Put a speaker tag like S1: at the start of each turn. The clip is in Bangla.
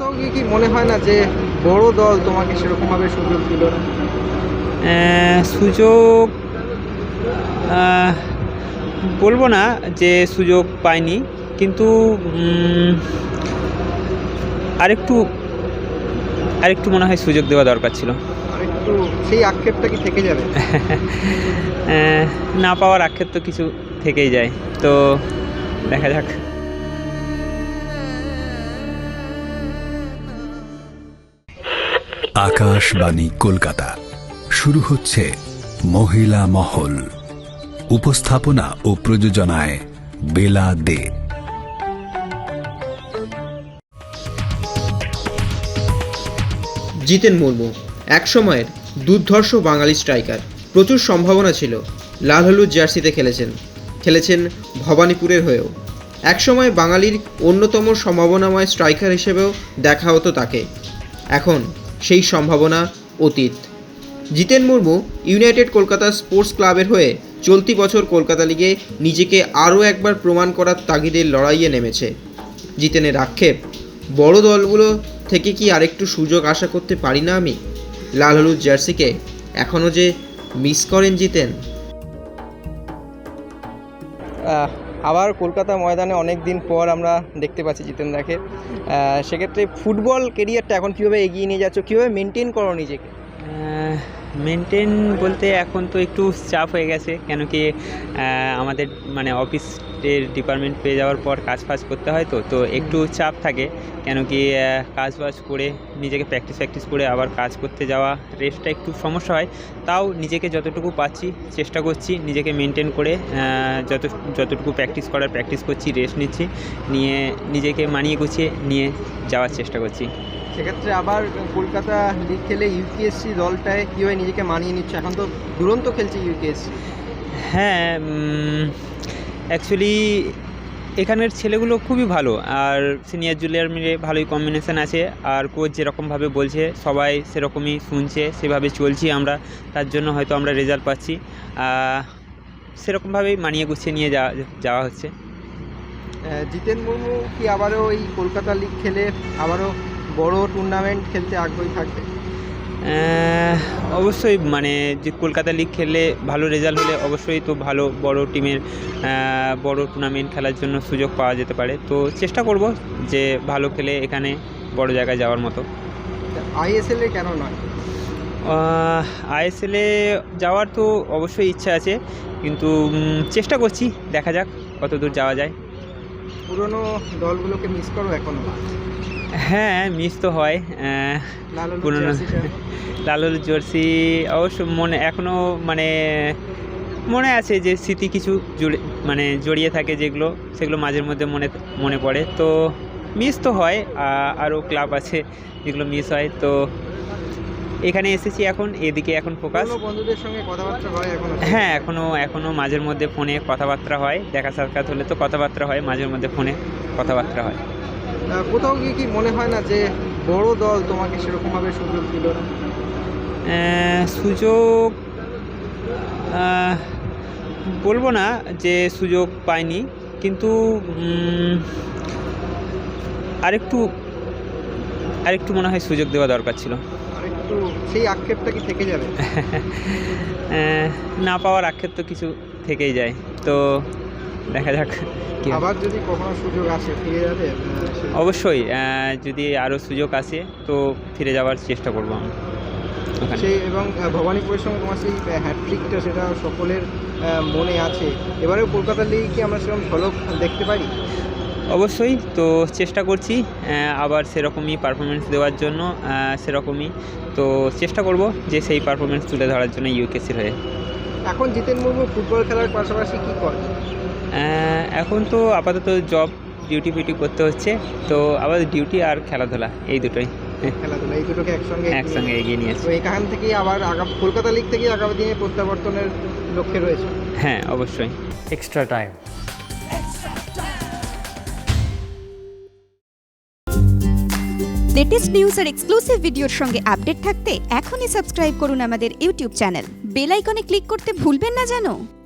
S1: কোথাও গিয়ে কি মনে হয় না যে বড় দল তোমাকে সেরকমভাবে সুযোগ দিল না?
S2: সুযোগ আহ, বলবো না যে সুযোগ পাইনি, কিন্তু আরেকটু আরেকটু মনে হয় সুযোগ দেওয়া দরকার ছিল।
S1: আর একটু সেই আক্ষেপটা কি থেকে যাবে?
S2: না পাওয়ার আক্ষেপ তো কিছু থেকেই যায়, তো দেখা যাক।
S3: আকাশবাণী কলকাতা, শুরু হচ্ছে মহিলা মহল। উপস্থাপনা ও প্রযোজনায় বেলা দে।
S1: জিতেন মুর্মু একসময়ের দুর্ধর্ষ বাঙালি স্ট্রাইকার। প্রচুর সম্ভাবনা ছিল। লাল হলুদ জার্সিতে খেলেছেন ভবানীপুরের হয়েও। একসময় বাঙালির অন্যতম সম্ভাবনাময় স্ট্রাইকার হিসেবেও দেখা হতো তাকে। এখন সেই সম্ভাবনা অতীত। জিতেন মুর্মু ইউনাইটেড কলকাতা স্পোর্টস ক্লাবের হয়ে চলতি বছর কলকাতা লিগে নিজেকে আরও একবার প্রমাণ করার তাগিদের লড়াইয়ে নেমেছে। জিতেনের আক্ষেপ, বড় দলগুলো থেকে কি আরেকটু সুযোগ আশা করতে পারি না আমি? লাল হলুদ জার্সিকে এখনও যে মিস করেন জিতেন। আবার কলকাতা ময়দানে অনেক দিন পর আমরা দেখতে পাচ্ছি জিতেনদাকে। সেক্ষেত্রে ফুটবল কেরিয়ারটা এখন কীভাবে এগিয়ে নিয়ে যাচ্ছ, কীভাবে মেনটেন করো নিজেকে?
S2: মেনটেন বলতে এখন তো একটু চাপ হয়ে গেছে, কেন কি আমাদের মানে অফিসের ডিপার্টমেন্ট পেয়ে যাওয়ার পর কাজ ফাজ করতে হয়, তো একটু চাপ থাকে। কেন কি কাজ বাজ করে নিজেকে প্র্যাকটিস করে আবার কাজ করতে যাওয়া, রেস্টটা একটু সমস্যা হয়। তাও নিজেকে যতটুকু পাচ্ছি চেষ্টা করছি নিজেকে মেনটেন করে, যতটুকু প্র্যাকটিস করছি, রেস্ট নিচ্ছি, নিয়ে নিজেকে মানিয়ে গুছিয়ে নিয়ে যাওয়ার চেষ্টা করছি।
S1: সেক্ষেত্রে আবার কলকাতা লিগ খেলে ইউকেএসসি দলটায় কীভাবে নিজেকে মানিয়ে নিচ্ছে? এখন তো দুরন্ত খেলছে ইউকেএসসি।
S2: হ্যাঁ, অ্যাকচুয়ালি এখানের ছেলেগুলো খুবই ভালো, আর সিনিয়র জুনিয়র মিলে ভালোই কম্বিনেশান আছে। আর কোচ যেরকমভাবে বলছে সবাই সেরকমই শুনছে, সেভাবে চলছি আমরা, তার জন্য হয়তো আমরা রেজাল্ট পাচ্ছি। সেরকমভাবেই মানিয়ে গুছিয়ে নিয়ে যাওয়া হচ্ছে।
S1: জিতেন মুর্মু কি আবারও এই কলকাতা লিগ খেলে আবারও বড় টুর্নামেন্ট খেলতে আগ্রহী থাকবে?
S2: অবশ্যই, মানে যে কলকাতা লিগ খেললে ভালো রেজাল্ট হলে অবশ্যই তো ভালো বড় টিমের বড় টুর্নামেন্ট খেলার জন্য সুযোগ পাওয়া যেতে পারে। তো চেষ্টা করব যে ভালো খেলে এখানে বড় জায়গায় যাওয়ার মতো।
S1: আইএসএলে কেন নয়?
S2: আইএসএলে যাওয়ার তো অবশ্যই ইচ্ছা আছে, কিন্তু চেষ্টা করছি, দেখা যাক কত দূর যাওয়া যায়।
S1: পুরনো দলগুলোকে মিস করো এখনো?
S2: হ্যাঁ, মিস তো হয়। পুরনো লাল হলুদ জার্সি অবশ্য এখনও মনে আছে যে স্মৃতি কিছু জড়িয়ে থাকে, সেগুলো মাঝের মধ্যে মনে পড়ে। তো মিস তো হয়, আরও ক্লাব আছে যেগুলো মিস হয়। তো এখানে এসেছি, এখন এদিকে এখন ফোকাস।
S1: বন্ধুদের সঙ্গে কথাবার্তা হয় এখনো?
S2: হ্যাঁ, এখনও মাঝের মধ্যে ফোনে কথাবার্তা হয়, দেখা সাক্ষাৎ হলে তো কথাবার্তা হয়, মাঝের মধ্যে ফোনে কথাবার্তা হয়।
S1: কোথাও গিয়ে কি মনে হয় না যে বড় দল তোমাকে সেরকমভাবে সুযোগ দিল না?
S2: সুযোগ বলবো না যে সুযোগ পাইনি, কিন্তু আরেকটু মনে হয় সুযোগ দেওয়া দরকার ছিল।
S1: আর একটু সেই আক্ষেপটা কি থেকে যাবে?
S2: না পাওয়ার আক্ষেপ তো কিছু থেকেই যায়, তো দেখা যাক।
S1: আবার যদি কখনো সুযোগ আসে ফিরে যাবে?
S2: অবশ্যই, যদি আরও সুযোগ আসে তো ফিরে যাওয়ার চেষ্টা করবো আমি ওখানে।
S1: এবং ভবানীপুরের সঙ্গে তোমার সেই হ্যাটট্রিকটা, সেটা সকলের মনে আছে। এবারেও কলকাতা লিগে কি আমরা সেরকম ঝলক দেখতে পারি?
S2: অবশ্যই, তো চেষ্টা করছি আবার সেরকমই পারফরমেন্স দেওয়ার জন্য, সেরকমই তো চেষ্টা করব যে সেই পারফরমেন্স তুলে ধরার জন্য ইউকেসির হয়ে।
S1: এখন জিতেন মুর্মু ফুটবল খেলার পাশাপাশি কী করে?
S2: এখন তো আপাতত জব ডিউটি করতে হচ্ছে, তো আবার ডিউটি আর খেলাধুলা এই দুটোই।
S1: খেলাধুলা এই দুটোকে
S2: একসঙ্গে এগিয়ে নিয়েছে।
S1: তো এখান থেকেই আবার কলকাতা লিগ থেকেই আগামী দিনে প্রত্যাবর্তনের লক্ষ্যে রয়েছে।
S2: হ্যাঁ, অবশ্যই।
S4: Extra time.
S5: লেটেস্ট নিউজ আর এক্সক্লুসিভ ভিডিওর সঙ্গে আপডেট থাকতে এখনই সাবস্ক্রাইব করুন আমাদের ইউটিউব চ্যানেল। বেল আইকনে ক্লিক করতে ভুলবেন না যেন।